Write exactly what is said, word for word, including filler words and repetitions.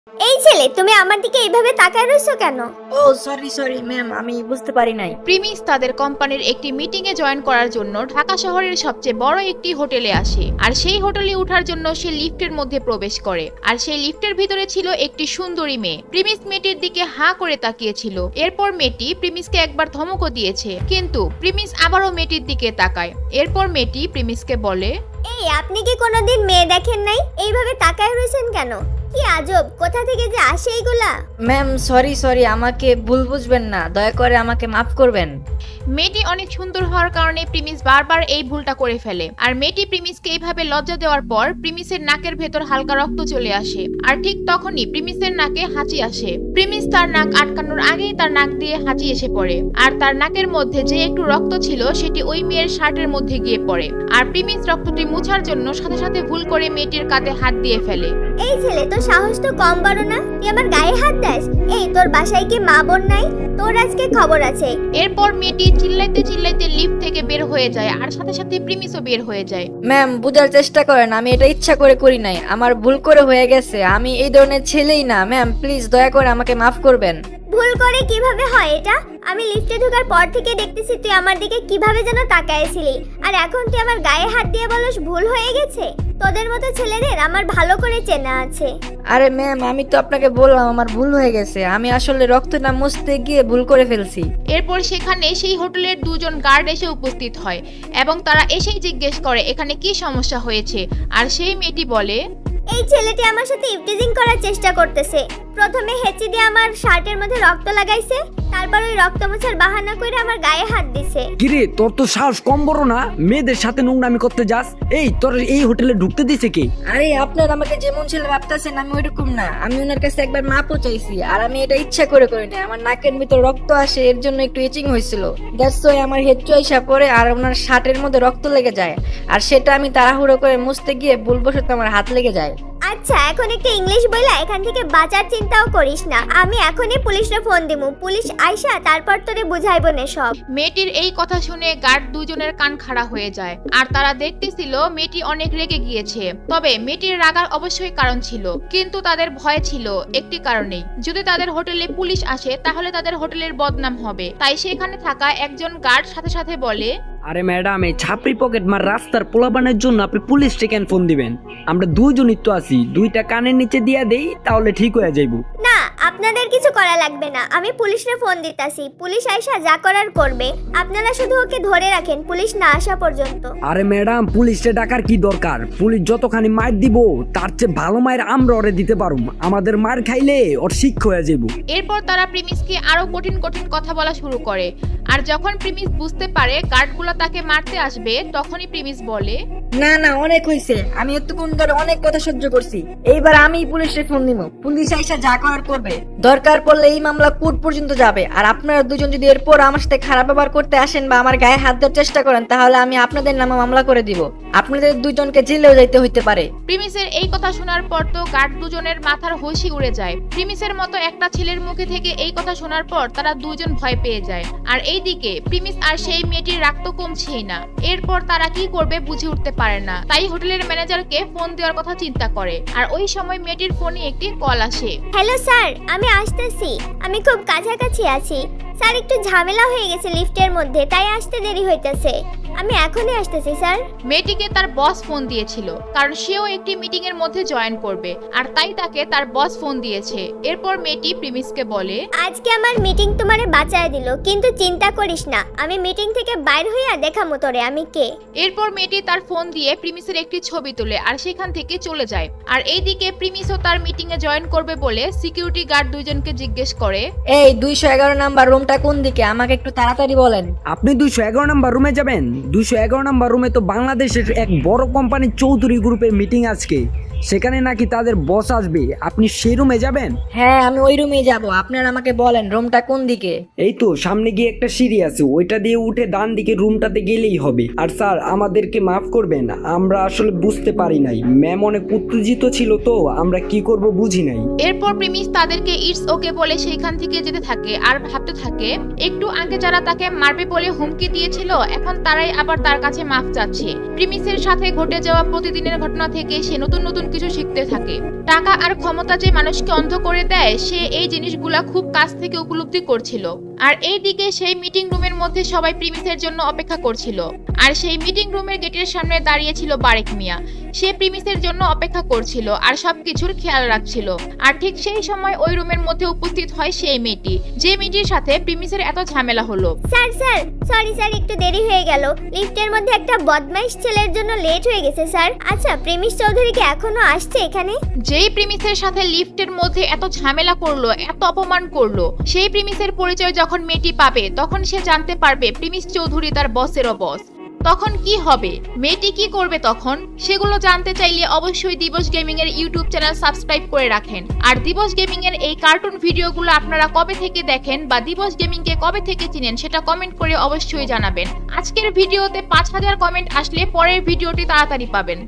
এই ছেলে, তুমি আমার দিকে এইভাবে তাকায় রইছো কেন? ও সরি সরি ম্যাম, আমি বুঝতে পারি নাই। প্রিমিস তাদের কোম্পানির একটি মিটিং এ জয়েন করার জন্য ঢাকা শহরের সবচেয়ে বড় একটি হোটেলে আসে। আর সেই হোটেলে ওঠার জন্য সে লিফটের মধ্যে প্রবেশ করে। আর সেই লিফটের ভিতরে ছিল একটি সুন্দরী মেয়ে। প্রিমিস মেয়েটির দিকে হাঁ করে তাকিয়েছিল। এরপর মেয়েটি প্রিমিসকে একবার ধমকও দিয়েছে, কিন্তু প্রিমিস আবারও মেয়েটির দিকে তাকায়। এরপর মেয়েটি প্রিমিসকে বলে, এই, আপনি কি কোনোদিন মেয়ে দেখেন নাই? এইভাবে তাকায় রইছেন কেন? কি আজব, কোথা থেকে যে আসে এইগুলা? ম্যাম সরি সরি, আমাকে ভুল বুঝবেন না, দয়া করে আমাকে মাফ করবেন। মেয়েটি অনেক সুন্দর হওয়ার কারণে প্রিমিস বারবার এই ভুলটা করে ফেলে। আর মেয়েটি প্রিমিসকে এইভাবে লজ্জা দেওয়ার পর প্রিমিসের নাকের ভেতর হালকা রক্ত চলে আসে। আর ঠিক তখনই প্রিমিসের নাকে হাঁচি আসে। প্রিমিস তার নাক আটকানোর আগেই তার নাক দিয়ে হাঁচি এসে পড়ে। আর তার নাকের মধ্যে যে একটু রক্ত ছিল সেটি ওই মেয়ের শার্টের মধ্যে গিয়ে পড়ে। আর প্রিমিস রক্তটি মুছার জন্য সাথে সাথে ভুল করে মেয়েটির কাঁধে হাত দিয়ে ফেলে। এই ছেলে, তোর সাহস তো কম বড় না, তুই আমার গায়ে হাত দাস? এই, তোর বাসায় কি মা বোন নাই? তোর আজকে খবর আছে। এরপর মেয়েটি চিল্লাইতে চিল্লাইতে লিফট থেকে বের হয়ে যায়। আর সাথে সাথে প্রিমিসও বের হয়ে যায়। ম্যাম বুঝার চেষ্টা করেন, আমি এটা ইচ্ছা করে করি নাই, আমার ভুল করে হয়ে গেছে। আমি এই ধরনের ছেলেই না ম্যাম, প্লিজ দয়া করে আমাকে মাফ করবেন। ভুল করে কিভাবে হয় এটা? আমি লিফটে ঢোকার পর থেকে দেখতেছি তুই আমার দিকে কিভাবে যেন তাকায়ছিলি, আর এখন তুই আমার গায়ে হাত দিয়ে বলস ভুল হয়ে গেছে। তোদের মতো ছেলেদের আমার ভালো করে চেনা আছে। আরে ম্যাম, আমি তো আপনাকে বললাম আমার ভুল হয়ে গেছে, আমি আসলে রক্ত না মুছতে গিয়ে ভুল করে ফেলছি। এরপর সেখানে সেই হোটেলের দুজন গার্ড এসে উপস্থিত হয় এবং তারা এসেই জিজ্ঞেস করে এখানে কি সমস্যা হয়েছে। আর সেই মেয়েটি বলে, এই ছেলেটি আমার সাথে ইভটিজিং করার চেষ্টা করতেছে। প্রথমে হেঁচি দিয়ে আমার শার্টের মধ্যে রক্ত লাগাইছে, তারপর ওই রক্ত মোছার বাহানা করে আমার গায়ে হাত দিছে। কিরে, তোর তো সাহস কম বড় না, মেয়েদের সাথে নোংরামি করতে যাস? এই, তোর এই হোটেলে ঢুকতে দিছে কে? আরে আপনার আমাকে যেমন ছেলে ভাবতেছেন আমি ওইরকম না, আমি ওনার কাছে একবার মাপও চাইছি। আর আমি এটা ইচ্ছা করে করি না, আমার নাকের ভিতর রক্ত আসে, এর জন্য একটু ইচিং হয়েছিল। দ্যাটস ওয়াই আমার হেড চয়েসা পরে আর ওনার শার্টের মধ্যে রক্ত লেগে যায়। আর সেটা আমি তাড়াহুড়ো করে মুছতে গিয়ে ভুলবশত আমার হাত লেগে যায়। আচ্ছা, এখন একটু ইংলিশ বইলা এখান থেকে বাঁচার চিন্তাও করিস না। আমি এখনই পুলিশে ফোন দিমু, পুলিশ আইসা তারপর তোরে বুঝাইবো না সব। মেয়েটির এই কথা শুনে গার্ড দুজনের কান খাড়া হয়ে যায়। আর তারা দেখতেছিল মেয়েটি অনেক রেগে গিয়েছে। তবে মেয়েটির রাগার অবশ্যই কারণ ছিল, কিন্তু তাদের ভয় ছিল একটি কারণেই, যদি তাদের হোটেলে পুলিশ আসে তাহলে তাদের হোটেলের বদনাম হবে। তাই সেখানে থাকা একজন গার্ড সাথে সাথে বলে, আরে ম্যাডাম, এই ছাপড়ি পকেট মার রাস্তার পোলাপানের জন্য আপনি পুলিশ কেন ফোন দিবেন? আমরা দুইজনই তো আছি, দুইটা কানের নিচে দিয়া দেই তাহলে ঠিক হয়ে যাইব। না, আপনাদের কিছু করা লাগবে না, আমি পুলিশে ফোন দিতাছি। পুলিশ আইসা যা করার করবে। আপনারা শুধু ওকে ধরে রাখেন পুলিশ না আসা পর্যন্ত। আরে ম্যাডাম, পুলিশে ডাকার কি দরকার? পুলিশ যতখানি মার দিব তার চেয়ে ভালো মায়ের আমরা ওরে দিতে পারুম। আমাদের মার খাইলে ওর শিক্ষা হয়ে যাইব। এরপর তারা প্রিমিসকে আরো কঠিন কঠিন কথা বলা শুরু করে। আর যখন প্রিমিস বুঝতে পারে গার্ডগুলো তাকে মারতে আসবে, তখনই প্রিমিস বলে, না না, অনেক হয়েছে, আমি এতক্ষণ ধরে অনেক কথা সহ্য করছি। এইবার আমি পুলিশে ফোন দিব, পুলিশ আইসা যা করার করবে। দরকার পড়লে এই মামলা কোর্ট পর্যন্ত যাবে। আর আপনারা দুজন যদি এরপর আমার সাথে খারাপ ব্যবহার করতে আসেন বা আমার গায়ে হাত দেওয়ার চেষ্টা করেন, তাহলে আমি আপনাদের নামে মামলা করে দিব। আপনাদের দুজনকে জেলেও যাইতে হইতে পারে। প্রিমিসের এই কথা শোনার পর তো গার্ড দুজনের মাথার হোশই উড়ে যায়। প্রিমিসের মতো একটা ছেলের মুখে থেকে এই কথা শোনার পর তারা দুজন ভয় পেয়ে যায়। আর এইদিকে প্রিমিস আর সেই মেয়েটির রাগ তো কমছেই না। এরপর তারা কি করবে বুঝে উঠতে পারে না, তাই হোটেলের ম্যানেজারকে ফোন দেওয়ার কথা চিন্তা করে। আর ওই সময় মেয়েটির ফোনে একটি কল আসে। হ্যালো স্যার, আমি আসতেছি, আমি খুব কাছাকাছি আছি। স্যার, একটু ঝামেলা হয়ে গেছে লিফটের মধ্যে, তাই আসতে দেরি হইতেছে। আমি এখনই আসতেছি স্যার। মেয়েটিকে তার বস ফোন দিয়েছিল, কারণ সেও একটি মিটিং এর মধ্যে জয়েন করবে, আর তাই তাকে তার বস ফোন দিয়েছে। এরপর মেয়েটি প্রিমিসকে বলে, আজকে আমার মিটিং তোমারে বাঁচায় দিল, কিন্তু চিন্তা করিস না, আমি মিটিং থেকে বাইর হইয়া দেখামো তোরে আমি কে। এরপর মেয়েটি তার ফোন দিয়ে প্রিমিসের একটি ছবি তোলে আর সেখান থেকে চলে যায়। আর এইদিকে প্রিমিসও তার মিটিং এ জয়েন করবে বলে সিকিউরিটি গার্ড দুইজনকে জিজ্ঞেস করে, এই দুইশো এগারো নাম্বার রুমটা কোন দিকে, আমাকে একটু তাড়াতাড়ি বলেন। আপনি দুইশো এগারো নাম্বার রুমে যাবেন? দুইশো এগারো নাম্বার রুমে তো বাংলাদেশের এক বড় কোম্পানির চৌধুরী গ্রুপের মিটিং আজকে, সেখানে নাকি তাদের বস আসবে। আপনি সেই রুমে যাবেন? হ্যাঁ, আমি ওই রুমেই যাব। আপনারা আমাকে বলেন রুমটা কোন দিকে। এই তো সামনে গিয়ে একটা সিঁড়ি আছে, ওইটা দিয়ে উঠে ডান দিকে রুমটাতে গেলেই হবে। আর স্যার, আমাদেরকে মাফ করবেন, আমরা আসলে বুঝতে পারি নাই, ম্যাম অনেক উত্তেজিত ছিল তো আমরা কি করব বুঝি নাই। এরপর প্রিমিস তাদেরকে ইটস ওকে বলে সেইখান থেকে যেতে থাকে আর ভাবতে থাকে, একটু আগে যারা তাকে মারবে বলে হুমকি দিয়েছিল এখন তারাই আবার তার কাছে মাফ চাচ্ছে। প্রিমিসের সাথে ঘটে যাওয়া প্রতিদিনের ঘটনা থেকে সে নতুন নতুন সবকিছু শিখতে থাকে। টাকা আর ক্ষমতা যে মানুষকে অন্ধ করে দেয়, সে এই জিনিসগুলা খুব কাছ থেকে উপলব্ধি করছিল। আর এইদিকে সেই মিটিং রুমের মধ্যে সবাই প্রিমিসের জন্য অপেক্ষা করছিল। আর সেই মিটিং রুমের গেটের সামনে দাঁড়িয়ে ছিল বারেক মিয়া। সে প্রিমিসের জন্য অপেক্ষা করছিল আর সবকিছুর খেয়াল রাখছিল। আর ঠিক সেই সময় ওই রুমের মধ্যে উপস্থিত হয় সেই মেয়েটি, যে মেয়েটির সাথে প্রিমিসের এত ঝামেলা হলো। স্যার স্যার সরি স্যার, একটু দেরি হয়ে গেল। লিফটের মধ্যে একটা বদমাইশ ছেলের জন্য লেট হয়ে গেছে স্যার। আচ্ছা, প্রেমিস চৌধুরী কি এখনো আসছে এখানে? যেই প্রিমিসের সাথে লিফটের মধ্যে এত ঝামেলা করলো, এত অপমান করলো, সেই প্রিমিসের পরিচয় যখন মেয়েটি পাবে, তখন সে জানতে পারবে প্রিমিস চৌধুরী তার বসেরও বস। তখন কি হবে, মেয়েটি কি করবে তখন, সেগুলো জানতে চাইলে অবশ্যই দিবস গেমিং এর ইউটিউব চ্যানেল সাবস্ক্রাইব করে রাখেন। আর দিবস গেমিং এর এই কার্টুন ভিডিওগুলো আপনারা কবে থেকে দেখেন বা দিবস গেমিং কে কবে থেকে চিনেন, সেটা কমেন্ট করে অবশ্যই জানাবেন। আজকের ভিডিওতে পাঁচ হাজার কমেন্ট আসলে পরের ভিডিওটি তাড়াতাড়ি পাবেন।